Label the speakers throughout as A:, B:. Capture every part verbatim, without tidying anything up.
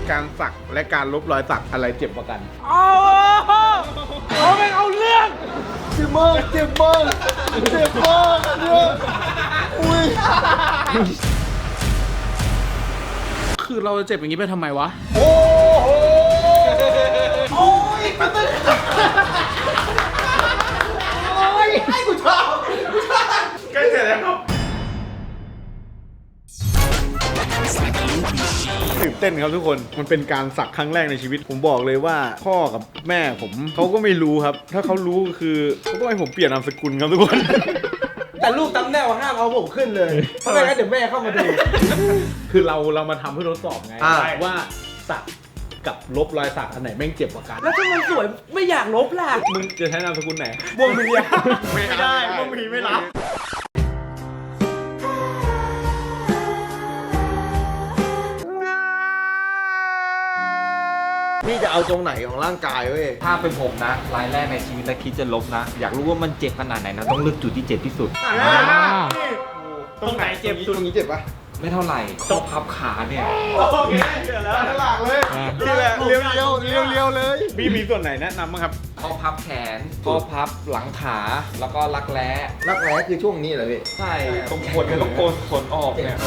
A: การสักและการลบรอยสักอะไรเจ็บกว่ากัน
B: โอ้เขาไม่เอาเรื่องเจ็บมากเจ็บมากเจ็บมากเนี่ยอุ้ยคือเราจะเจ็บอย่างนี้ไปทำไมวะโอ้โหโอ้ยมันตึ๊ดโอ้ยให้กูชอบกูชอบใกล้เสร็จแล้วครับ
A: ตื่นเต้นครับทุกคนมันเป็นการสักครั้งแรกในชีวิตผมบอกเลยว่าพ่อกับแม่ผมเขาก็ไม่รู้ครับถ้าเขารู้คือเขาต้องให้ผมเปลี่ยนนามสกุลครับทุกคน
B: แต่ลูกตำแหน่งห้ามเอาผมขึ้นเลยเพราะไม่งั้นเดี๋ยวแม่เข้ามาดู
A: คือเราเรามาทำเพื่อทดสอบไงว่าสักกับลบรอยสักอันไหนแม่งเจ็บกว่ากัน
B: แล้วถ้ามันสวยไม่อยากลบล่ะ
A: มึงจะใช้นามสกุลไหน
B: ม่วงมี
A: ไม่ได้ม่วงมีไม่รับ
B: พี่จะเอาตรงไหนของร่างกายเว้ย
C: ถ้าเป็นผมนะรายแรกในชีวิตและคิดจะลบนะอยากรู้ว่ามันเจ็บขนาดไหนนะต้องเลือกจุดที่เจ็บที่สุด
A: ตรงไหนเจ็บ
B: ตรงนี้เจ็บปะ
C: ไม่เท่าไหร่ข้อพับขาเนี่ย
A: โอเคเดี๋ยวแล้วหลักเลยนี่แหละเลี้ยวเลี้ยวเลี้ยวเลี้ยวเลยมีมีส่วนไหนแนะนำบ้างครับ
C: ข้อพับแขนข้อพับหลังขาแล้วก็รักแร้
B: รักแร้คือช่วงนี้เหรอพี่
C: ใช่ตรงขนเนี่ยต้องโกนขนออกเนี่ย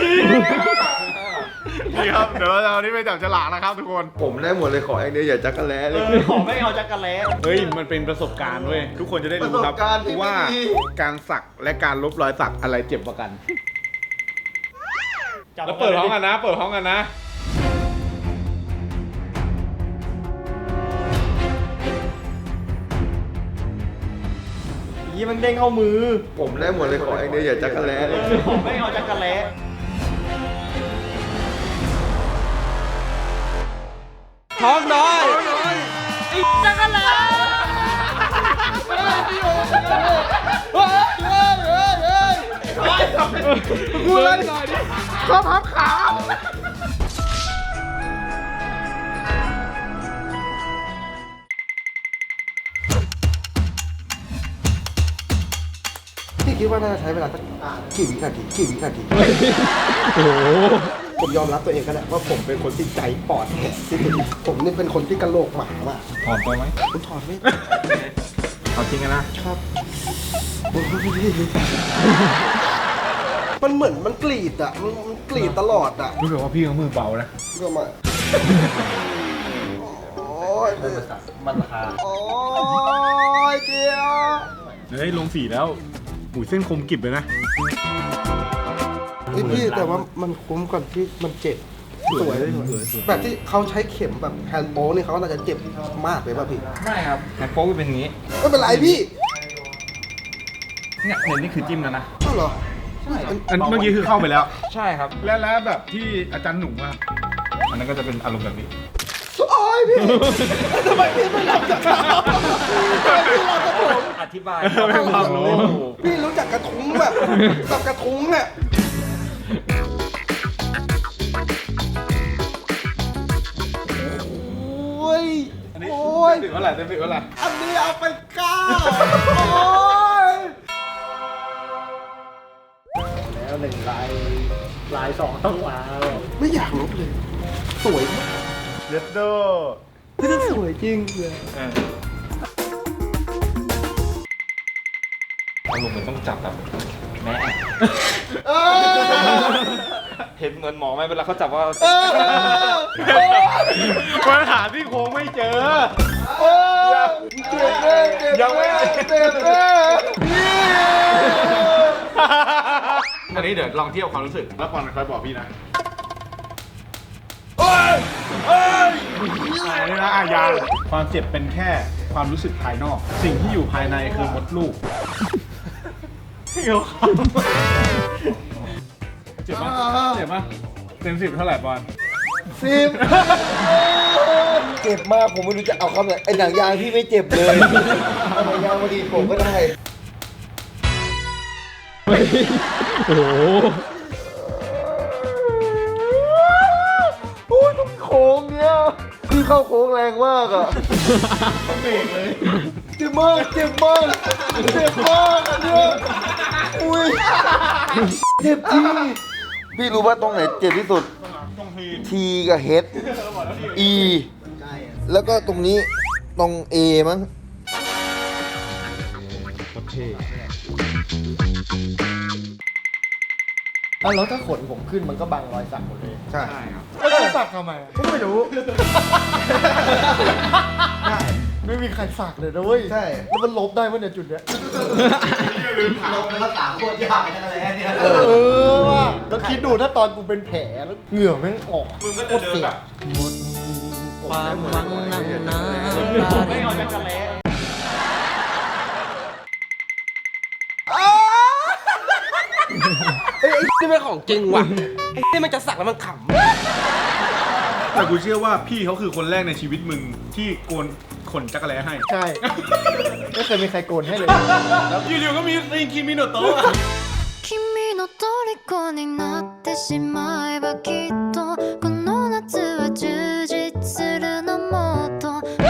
A: นี่ครับเดี๋ยวเราเอานี่ไปจับฉลากนะครับทุกคน
B: ผมได้หมดเลยขออย่างเดียวอย่าจักรแล้เลย
A: ขอไม่เอาจักรแล้เฮ้ยมันเป็นประสบการณ์เว้ยทุกคนจะได้รู้ครับว่าการสักและการลบรอยสักอะไรเจ็บกว่ากันแล้วเปิดพร้อมกันนะเปิดพร้อมกันนะ
B: ยี่มันเด้งเข้ามือผมได้หมดเลยขออย่างเดียวอย่าจักรแล้เลย
A: ผมไม่เอาจักรแล้
B: ท้องน้อยอีกจักรแล้
A: กูเล่นหน่อยดิข้อพับขา
B: พี่คิดว่าน่าจะใช้เวลาสักกี่วินาทีกี่วินาทีโอ้ผมยอมรับตัวเองก็ได้ว่าผมเป็นคนที่ใจปอดแข็งที่สุดผมนี่เป็นคนที่กระโหลกหมาว่ะ
C: ถอดตัวไหม
B: ผมถอดไม่
C: เอาจริงกันนะครับ
B: มันเหมือนมันกรีดอ่ะมันกรีดตลอดอ่ะ
A: รู้สึกว่าพี่เขามือเบานะ
B: ก็มาโอ้ย
C: มันราคา
B: โอ้ยเกียร์
A: เฮ้ยลงสีแล้วหูเส้นคมกริบเลยนะ
B: พี่แต่ว่ามันคุ้มก่อนที่มันเจ็บสวยแบบที่เขาใช้เข็มแบบแฮนด์โป๊นี่เขาน่าจะเจ็บมากเลยป่ะพี่
C: ไม่ครับแฮนด์โป๊เป็นอย่างนี้
B: ไม่เป็นไรพี่
C: เนี่ยเห็นนี่คือจิ้มแล้วนะ
B: อ้าวเหรอ
A: ใช่อันเมื่อกี้คือเข้าไปแล้ว
C: ใช่ครับ
A: แล้วแล้วแบบที่อาจารย์หนุ่มว่าอันนั้นก็จะเป็นอารมณ์แบบนี้
B: โอ้ยพี่ทำไมพี่ไม่รับจากเขาพี่รับจากผม
C: อธิบาย
A: ไม่ความรู้
B: พี่รู้จักกระทุ้งแบบแบบกระทุ้งเนี่ยโอ้ยโอ้ย
A: ถึงเท่าไหร่เต็มสิบเท่าไหร่
B: อันนี้เอาไปเก้าโอ้ยแล้วหนึ่งลายลายสองต้องว้าวไม่อยากลบเลยสวยมาก
A: เด็ดโด
B: พี่จะสวยจริงเลย
C: อารมณ์มันต้องจับแบบแม่เห็นเหมือนหมอไหมเวลาเขาจับว่า
A: ปัญหาที่โค้งไม่เจอ
B: เจ็บแน่เจ็บแน่เจ็บแน่
A: อันนี้เดี๋ยวลองเทียบความรู้สึกแล้วก่อนคอยบอกพี่นะเฮ้ยเฮ้ยอันนี้นะอายาความเจ็บเป็นแค่ความรู้สึกภายนอกสิ่งที่อยู่ภายในคือมดลูกเกี่ยวข้องเจ็บปะเจ็บปะเต็มสิบเท่าไหร่บอล
B: สิบเจ็บมากผมไม่รู้จะเอาคำไหนไอ้หนังยางพี่ไม่เจ็บเลยเอาหนังยางมาดีผมก็ได้
A: โอ้โห
B: โอ้ยต้องโค้งเนี้ยพี่เข้าโค้งแรงมากอ่ะ
A: ต้องเบรกเลย
B: เจ็บมากเจ็บมากเจ็บมากอันเนี้ยอุ้ยเจ็บจริงพี่รู้ว่าตรงไหนเจ็บที่สุด
A: ตรง
D: T กับ H E แล้วก็ตรงนี้ตรง A มั้ง
B: แล้วถ้าขนผมขึ้นมันก็บังรอยสักหมดเลย
D: ใช่
B: แล้วจะสักทำไมก็ไม่รู้ ไม่มีใครสักเลยนะเว้ย
D: ใช่
B: แล้วมันลบได้ปะเนี่ยจุดเนี้ย
D: ลงภาษาโคตรยากเลยนะอะไรเนี่ย
B: เออว่ะแล้วคิดดูถ้าตอนกูเป็นแผลแล้วเหงื่อแม่งออก
A: มึงก็จะเดินแบบ
E: ความหวังนั่งน้ำตา
A: ไม่เอาจักรแล้
E: เอ้ยไอ้นี่เป็นของจริงว่ะ ไอ้นี่มันจะสักแล้วมันข
A: แต่กูเชื่อว่าพี่เขาคือคนแรกในชีวิตมึงที่โกนขนจักรแล้ให้
B: ใช่ ไม่เคยมีใครโกนให้เลย
A: อยู่ๆก็มีซิงคิมิโนโตะ
F: 君の虜になってしまえばきっとこの夏は充実するのもっと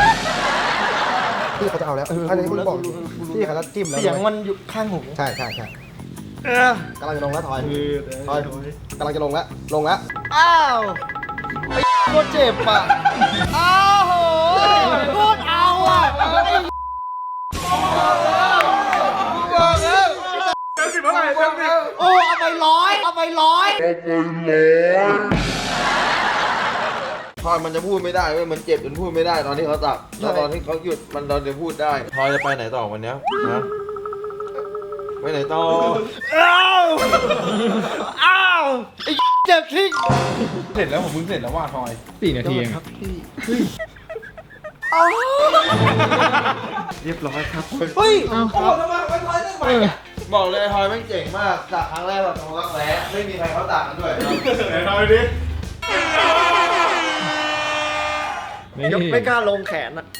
B: พี่เขาจะเอาแล้วอันนี้คุณบอกพี่เขาจะจิ้มแล้วเสียงมันอยู่ข้างหูใช่ใช่ใช่กำลังจะลงแล้วถอยถอยกำลังจะลงแล้วลงแล้วอ้าวไอ้โคตรเจ็บอ่ะอ้าวโหโคตรเอาอ่ะ
A: เต็มสิบเท่าไหร่เต็มสิบ
B: โอ้เอาไปร้อยเอาไปร้อย
D: พอยมันจะพูดไม่ได้เว้ยมันเจ็บจนพูดไม่ได้ตอนที่เขาตักแล้วตอนที่เขาหยุดมันตอนจะพูดได้พอยจะไปไหนต่อวันเนี้ยนะไปไหนต่อ
B: อ้าวอ้าวไอ้เจ็บทิ้ง
A: เสร็จแล้วผมเพิ่งเสร็จแล้วว่าทอย
C: สี่นาทีเอง
D: เรียบร้อยครับ
B: เฮ้ย
D: โอ้โหทำไมมันทอยได้ไหมอะบอกเลยทอยแม่งเจ๋งมากตักครั้งแรกแบบตรงรักแร้ไม่มีใครเขาตักกันด้วย
A: ไหนทอยดิ
B: ยกไม่กล้าลงแขนอ่ะ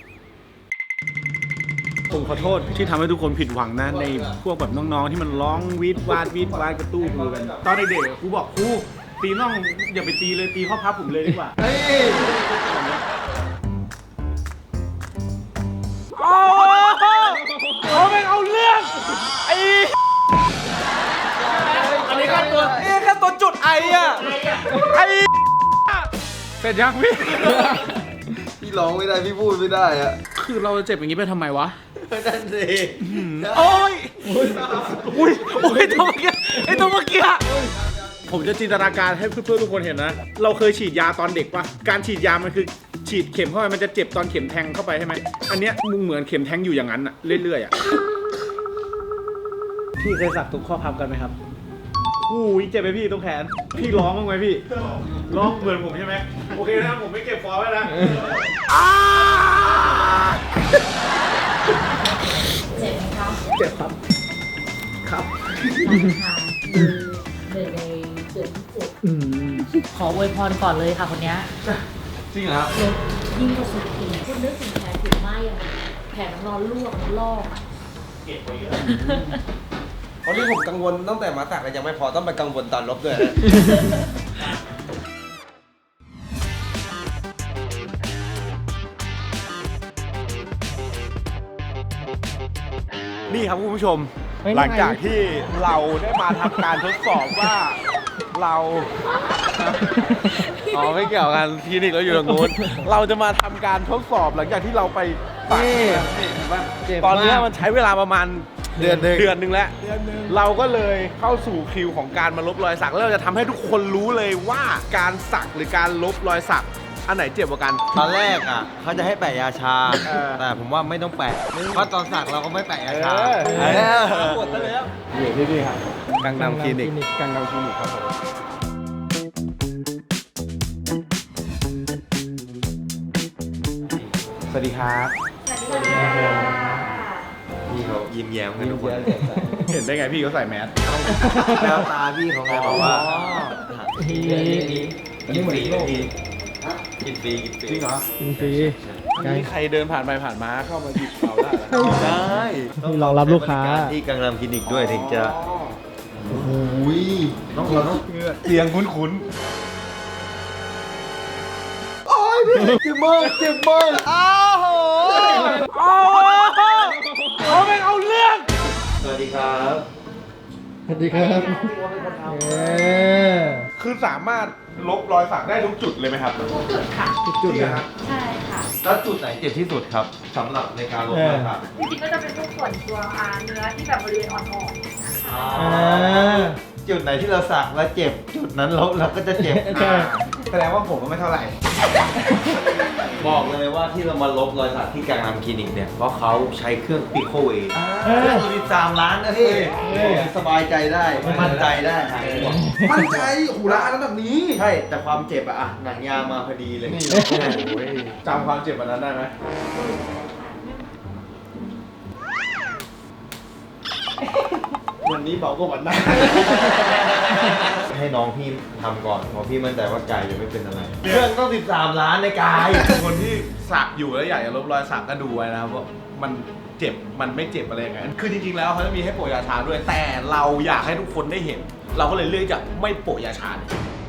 A: ผมขอโทษที่ทำให้ทุกคนผิดหวังนะในพวกแบบน้องๆที่มันร้องวีดวาดวีดวาดกระตู้มือกัน ตอนเด็กๆครูบอกครูตีน่องอย่าไปตีเลยตีข้อพับผมเลยดีกว่า
B: เฮ้ย
A: โอ้เขาไม่เอาเรื่องไอ้อันนี้แค่ตัวเอ๊ะแค่ตัวจุดไออะไอเสร็จยังพี่
D: พี่ร้องไม่ได้พี่พูดไม่ได้อะ
A: คือเราจะเจ็บอย่างนี้ไปทำไมวะ
D: นั่นสิ
A: โอ้ยอุ้ยโอ้ยตัวเมื่อกี้ไอตัวเมื่อกี้ผมจะจินตนาการให้เพื่อนๆทุกคนเห็นนะ เราเคยฉีดยาตอนเด็กปะการฉีดยามันคือฉีดเข็มเข้าไปมันจะเจ็บตอนเข็มแทงเข้าไปใช่ไหมอันเนี้ยมึงเหมือนเข็มแทงอยู่อย่างนั้นอะเรื่อยๆอะพี่เคยสักตรงข้อพับกันไหมครับอู้ยเจ็บไหมพี่ตรงแขน พี่ร้องบ้างไหมพี่ร้องเหมือนผมใช่ไหมโอเคนะผมไม่เก็บฟอร์ไว้นะอ้า
G: เจ็บไหมคะ
B: เจ็บครับ ครับ
G: ค่ะหนึ่งในเดือนที่เจ็ดขออวยพรก่อนเลยค่ะคนเนี้ย
D: จริงเหรอ
G: เดี๋ยวยิ่งกว่าสุดขีดคุณนึกถึงแผลผิวไหม้อะแผลน้ำร้อนลวกลอกอะ
E: เพราะที่ผมกังวลตั้งแต่มาสักแล้วยังไม่พอต้องไปกังวลตอนลบด้วยนะ
A: นี่ครับคุณผู้ชม หลังจากที่เราได้มาทำการทดสอบว่าเรา อ๋อไม่เกี่ยวกันคลินิกเราอยู่ตรงนู้นเราจะมาทำการทดสอบหลังจากที่เราไปสักนี่เห็นปะตอนนี้มันใช้เวลาประมาณ
D: เดือนหนึ่ง
A: เดือนหนึ่งแล้วเราก็เลยเข้าสู่คิวของการมาลบรอยสักแล้วเราจะทำให้ทุกคนรู้เลยว่าการสักหรือการลบรอยสักอันไหนเจ็บกว่ากัน
D: ตอนแรกอ่ะเขาจะให้แปะยาชา
A: เออ
D: แต่ผมว่าไม่ต้องแปะเพราะตอนสักเราก็ไม่แปะยาชา
A: เออ
D: เออ
E: ปวดซะแล้ว
A: อยู่ที่นี่ครับกังนำคลินิกกังนำคลินิกครับผม สวัสดีครับ
D: พี่เขายิ้มแย้มกันทุกคน
A: เห็นได้ไงพี่เขาใส่แมส
D: แววตาพี่เขาไงบอกว่า
E: อันนี้เหมือนโลก
D: กินฟรีกินฟรี
A: จริงเหรอ
B: จริงสิ
A: อันนี้ใครเดินผ่านไปผ่านมาเข้ามาหยิบเราได้เหรอ
D: ได้
B: นี่รองรับลูกค้า
D: ที่กังนำคลินิกด้วยถึงจะโอ้โหต้องเราต้อง
A: เสียงคุ้น
B: เจ็บมากเจ็บมากอ้าวโห
A: ๆอ๋อเขาไม่เอาเรื่อง
D: สวัสดีครับ
B: สวัสดีครับเออ
A: คือสามารถลบรอยสักได้ทุกจุดเลยไหมครับ
G: ทุกจุดค่ะ
A: ทุกจุดเลยครับ
G: ใช่ค่ะ
D: แล้วจุดไหนเจ็บที่สุดครับสำหรับในการลบรอยสัก
G: จริงๆก็จะเป็นพวกส่วนตัวอ่าเนื้อที่แบบบริเวณอ่อนๆนะคะ
D: จุดไหนที่เราสักแล้วเจ็บจุดนั้นลบเราก็จะเจ็บ
B: ใช่
C: แสดงว่าผมก็ไม่เท่าไหร่
D: บอกเลยว่าที่เรามาลบรอยสักที่กังนำคลินิกเนี่ยเพราะเขาใช้เครื่องปิโคเวย์เครื่องสิบสามล้านนะพี่สบายใจได้มั่นใจได้หายห่วง
B: มั่นใจหูละอันนั้นแบบนี้
D: ใช่แต่ความเจ็บอะอะหนังยางมาพอดีเลย
A: จำความเจ็บวันนั้นได้ไหม วันนี้เบากว่าวันนั้น
D: ให้น้องพี่ทำก่อนเพราะพี่มั่นใจว่ากายจะไม่เป็นอะไรเครื่องต้องสิบสามล้านในกาย
A: คนที่สักอยู่แล้วอยากจะลบรอยสักก็ดูไว้นะครับว่ามันเจ็บมันไม่เจ็บอะไรยังไงคือจริงๆแล้วเขาจะมีให้โปะยาชาด้วย แต่เราอยากให้ทุกคนได้เห็น เราก็เลยเลือกจะไม่โปะยาชาเลย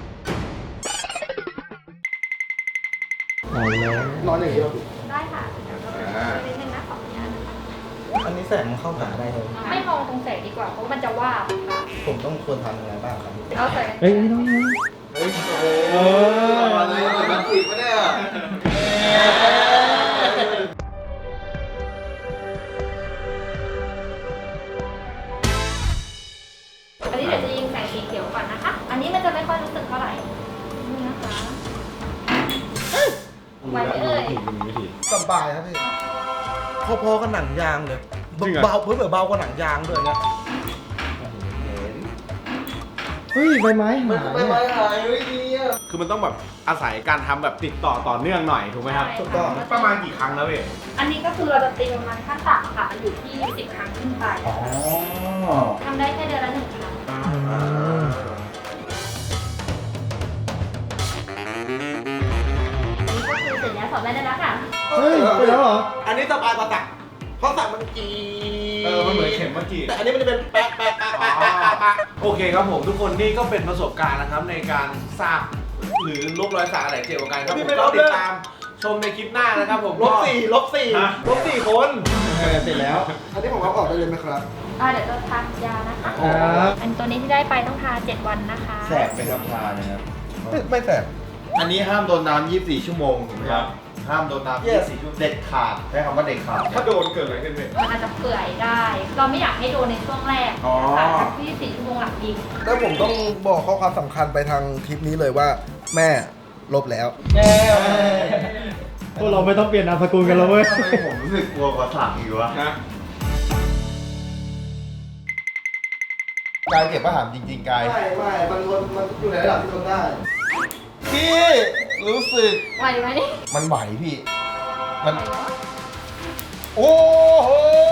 B: นอนอย่างนี้เรา
G: ได้ค่ะเดี๋ยวเราไปนิดนึงนะขออนุญาตนะคะ
B: อันนี้แสงมันเข้าหาได้เลย
G: ไม่มองตรงแสงดีกว่าเพราะมันจะว่าบค่ะ
B: ผมต้องควรทำยังไงบ้างครับ
G: เอาใส่
B: เฮ้ยไม่ต้อง
D: เฮ้ยโอ้ยอะไรมันผิดปะเนี่ย
G: อันนี้เดี๋ยวจะยิงแสงสีเขียวก่อนนะคะ อันนี้มันจะไม่ค่อยรู้สึกเท่าไหร่นี่นะคะไหวไหมเอ่ย
B: สบายครับพี่พอๆกับหนังยางเลย
A: จริงเหรอ
B: เบาเพิ่มเบากว่าหนังยางด้วยนะเฮ้ยใบไม้หาย
D: ไม่ไม่หายไม่ดีอ่ะ
A: คือมันต้องแบบอาศัยการทำแบบติดต่อต่อเนื่องหน่อยถูกไหมครับ
B: ถูกต้อง
A: ประมาณกี่ครั้งแล้วเว้ย
G: อันนี้ก็คือเราจะตีประมาณขั้นต่ำค่ะอยู่ที่สิบครั้งขึ้นไปทำได้แค่เดือนละหนึ่งครั้ง นี่ก็คือเสร็จแล้วสอบได้แล้วค่ะ
B: เฮ้ยไปแล้วเหรอ
H: อันนี้สบายกว่าสักเพราะสักมันจี
A: เออ มันเหมือนเข็มเมื่อกี้
H: แต่อันนี้มันจะเป็นแปะแปะแปะแปะแปะแปะแปะ
A: โอเคครับผมทุกคนนี่ก็เป็นประสบการณ์นะครับในการสักหรือลบรอยสักอะไรเกี่ยวกับกันครับผมก็ติดตามชมในคลิปหน้านะครับผม
H: ลบสี่ลบสี่
A: ฮะ
H: ลบสี่คน
B: เสร็จแล้ว อันนี้ผมเอาออกได้เลยไหมครับ
G: อ่าเดี๋ยวจะทานยานะคะ
B: ครับ
G: อันตัวนี้ที่ได้ไปต้องทานเจ็ดวันนะคะ
D: แสบไปครับทานะครับ
B: ไม่ไม่แสบ
D: อันนี้ห้ามโดนน้ำยี่สิบสี่ชั่วโมงถูกไหมครับ ห้ามโดนน้ำยี่สิบสี่ชั่วโมงเด็ดขาดใช้คำว่าเด็ดขาด
A: ถ้าโดนเกิดอะไรขึ้นเว้ย
G: มันอาจจะเปื่อยได้ เราไม่อยากให้โดนในช่วงแรก
A: อ๋อ
G: ค่ะสักที่สี่ชั่วโมงหลังยิง
B: แล้วผมต้องบอกข้อความสำคัญไปทางคลิปนี้เลยว่า แม่ลบแล้ว
I: พวกเราไม่ต้องเปลี่ยนนามสกุลกันแล้วเว้ย
D: ทำไมผมรู้สึกกลัวกว่าสักอีกวะ
A: นะ
D: กายเจ็บปะถามจริงๆกาย
B: ไม่ไม่มันทนมันอยู่ในระดับที่ทนได้
D: พี่รู้สึก
G: ไหวไหม
B: มันไหวพี่
D: มัน โอ้โห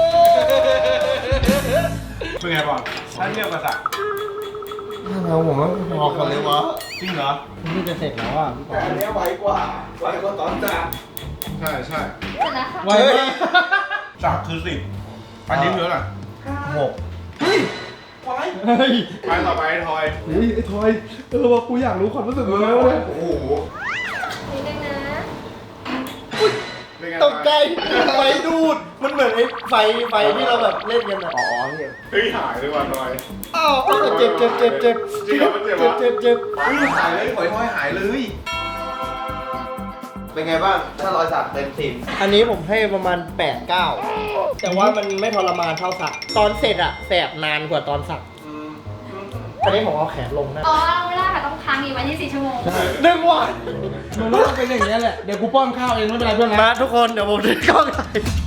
A: เป็นไงบอลถ้าเทียบกับสัก
B: เราผมว่าพอกันเลยวะ
A: จริงเหรอ
I: นี่จะเสร็จแล้วอ่ะ
B: แต่อันเนี้ยไหวกว่าไหวกว่าตอนจับ
A: ใช่ใช่
G: เสร็จแล้วค่ะ
I: ไวมาก
A: สักคือสิบอันนี้เยอะหน่อย
D: หก
I: เฮ้ย
A: ไปต่อไปทอย
I: เฮ้ยไอ้ทอยเออว่ากูอยากรู้ความรู้สึกมึงแล้วเลย
A: โอ้โห
G: นิดนึงนะ
A: เป็นไง
B: ตกใจไฟดูด มันเหมือนไอ้ไฟไฟที่เราแบบเล่นกันอะอ๋อเนี่ย
A: เฮ้ยหายเลยว่ะทอย
B: อ้าวเจ็บเจ็บเจ็บเจ็บ
A: จริงเหรอมันเจ็บวะ
B: เจ็บเจ็บ
A: เฮ้ยหายเลยหอยทอยหายเลย
D: เป็นไงบ้าง ถ้ารอยสักเต็มสิบ
B: อันนี้ผมให้ประมาณแปดเก้าแต่ว่ามันไม่ทรมานเท่าสัก ตอนเสร็จอะแสบนานกว่าตอนสัก อันนี้ผมเอาแขนลงนะ
G: อ๋อไม่ได้ค่ะต้องค้างอีกไว้ที่สี่ชั่วโมง
B: หนึ่งวัน
I: มันก็ต้องเป็นอย่างนี้ยแหละ เดี๋ยวกูป้อนข้าวเองไม่เป็นไรเพื่อนนะ
B: มาทุกคนเดี๋ยวผมจะกล้องถ่าย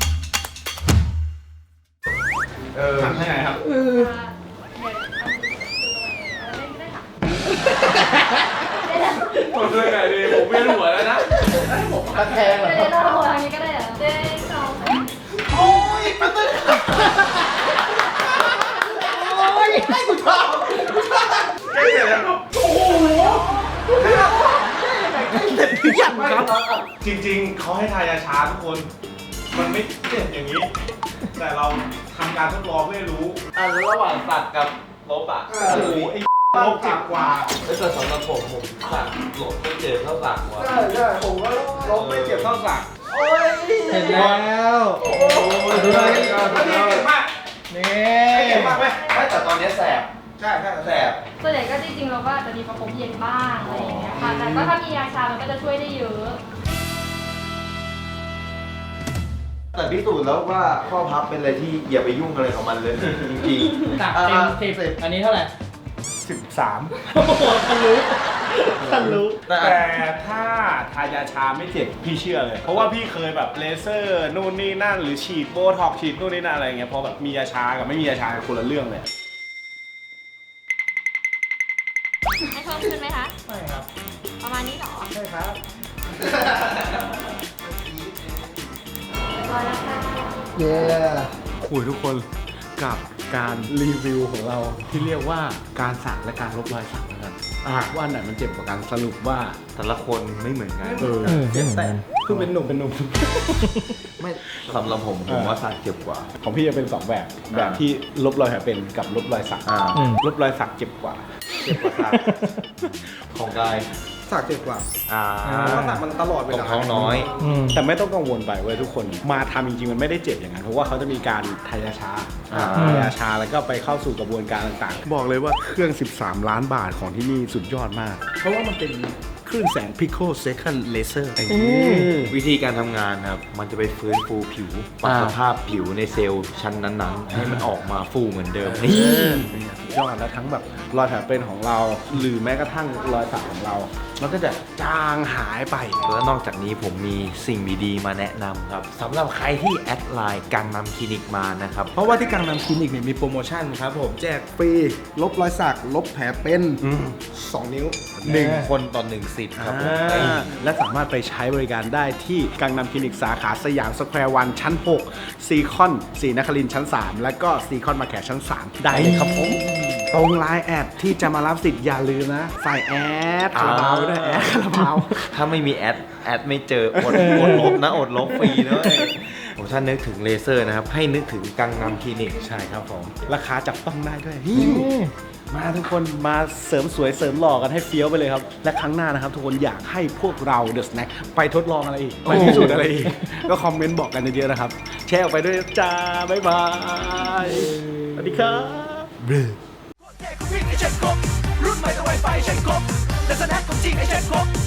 D: เออ
A: ทำให้ไงครับ
G: เดี๋ยวเอาเล่นก็ได้ค่ะได้แล้ว
A: ผมช่วยไงดีผมเวียนหัวแล้วนะ
B: ตะแคงเหรอ
G: เดี๋ยวเราทำอย่างนี้ก็ได้เหรอเด้งสองสาม
B: โอ้ยปั๊บตึ้งโอ้ยให้กูชอบ
A: ใกล้เสร็จแล้วครับ
B: โอ้โหเสร็จหรือยังครับ
A: จริงๆ เขาให้ทายาชาทุกคน มันไม่เจ็บอย่างนี้ แต่เราทำการทดลองเพื่อให้รู้
D: อันระหว่างสักกับลบอ่ะ
A: โอ้โหไอ้ลบเจ็บกว่า
D: ไอ้แต่สำหรับผมผมสักลบไม่เจ็บเท่าสักว่ะ
B: ใช่ใช่ผมก็
A: ลบไม่เจ็บเท่าสัก
B: โอ้ย
I: เสร็จแล้ว
A: โอ้โหสุดยอดสุดยอดสุดยอด
I: นี่
A: เจ็บมากไหม
D: ไม่แต่ตอนนี้แสบ
A: ใช่
D: ช่ใช่แสบ
J: ส่วนใหญ่ก็จริงๆเราก็อาจจะมีประคบเย็นบ้างอะไรอย่างเงี้ยค่ะ แต่ก็ถ้ามียาชามันก็จะช่วยได้เยอะ
D: แต่พิสูจน์แล้วว่าข้อพับเป็นอะไรที่อย่าไปยุ่งอะไรกับมันเลยจริงๆ
I: จาก
D: อ่า
I: เต็มสิบอันนี้เท่าไหร่
A: สิบสาม
I: โอ้โหทะลุทะลุ
D: แต่
A: แต่ถ้าทายาชาไม่เจ็บพี่เชื่อเลย เพราะว่าพี่เคยแบบเลเซอร์นู่นนี่นั่นหรือฉีดโบท็อกซ์ฉีดนู่นนี่นั่นอะไรเงี้ยพอแบบมียาชากับไม่มียาชาคนละเรื่องเลย
J: ให้เพิ่มขึ้นไหมคะ
I: ไม่ครับ
J: ประมาณนี้เหรอ
I: ใช่ครับ
J: พอแล้วค่ะ
B: เย้
A: คุยทุกคนกับการรีวิวของเราที่เรียกว่าการสักและการลบรอยสักนะครับว่าอันไหนมันเจ็บกว่ากันสรุปว่า
D: แต่ละคนไม่เหมือนกัน
A: เออเจ็บแต่เพิ่งเป็นหนุ่มเป็นหนุ่ม
D: ไม่สำหรับผมผมว่าสักเจ็บกว่า
A: ของพี่จะเป็นสองแบบแบบที่ลบรอยแผลเป็นกับลบรอยสัก
D: อ่า
A: ลบรอยสักเจ็บกว่า
D: เจ็บกว่าสักของกาย
B: สักเจ็บกว่า
D: อ่า
B: เพราะสักมันตลอดเว
D: ของ
B: ลา
D: ท้องน้อย
A: แต่ไม่ต้องกังวลไปเว้ยทุกคนมาทำจริงๆมันไม่ได้เจ็บอย่างนั้นเพราะว่าเขาจะมีการทายาชา
D: อ่า
A: ทายาชาแล้วก็ไปเข้าสู่กระบวนการต่างๆ บอกเลยว่าเครื่อง สิบสาม ล้านบาทของที่นี่สุดยอดมาก เพราะว่ามันเป็นคลื่นแสง Pico Second Laser
D: วิธีการทำงานนะครับ มันจะไปฟื้นฟูผิวปรับสภาพผิวในเซลล์ชั้นนั้นๆ ให้มันออกมาฟูเหมือนเดิมนี่
A: สุดยอดแล้วทั้งแบบรอยแผลเป็นของเรา หรือแม้กระทั่งรอยสักของเรา มันก็จะจางหายไป
D: แล้วนอกจากนี้ผมมีสิ่งดีๆมาแนะนำครับสำหรับใครที่แอดไลน์กังนำคลินิกมานะครับ
A: เพราะว่าที่กังนำคลินิกเนี่ยมีโปรโมชั่นครับผมแจกฟรีลบรอยสักลบแผลเป็นสองนิ้ว
D: หนึ่งคนต่อหนึ่งสิทธิ์ครับผม
A: อ่าและสามารถไปใช้บริการได้ที่กังนำคลินิกสาขาสยามสแควร์วันชั้นหกซีคอนศรีนครินทร์ชั้นสามและก็ซีคอนมาแขชั้นสามได้เลยครับผมตรงไลน์แอดที่จะมารับสิทธิ์อย่าลืมนะใส่แอดคาราบาวไว้ด้วยแอดคาราบาว
D: ถ้าไม่มีแอด แอดไม่เจออดอดลบนะอดลบฟรีนะเว้ยผมถ้านึกถึงเลเซอร์นะครับ ให้นึกถึงกังนำคลินิก
A: ใช่ครับผม ราคาจับต้องได้ด้วยมาทุกคนมาเสริมสวยเสริมหล่อกันให้เฟี้ยวไปเลยครับ และครั้งหน้านะครับ ทุกคนอยากให้พวกเราเดอะสแน็คไปทดลองอะไรอีก ไปพิสูจน์อะไรอีก ก็คอมเมนต์บอกกันเยอะๆนะครับ แชร์ออกไปด้วยจ้า บ๊ายบาย สวัสดีครับ
E: รุ่นใหม่ต้องไวไฟใช้ครบและสแน็คของจริงให้ใช้ครบ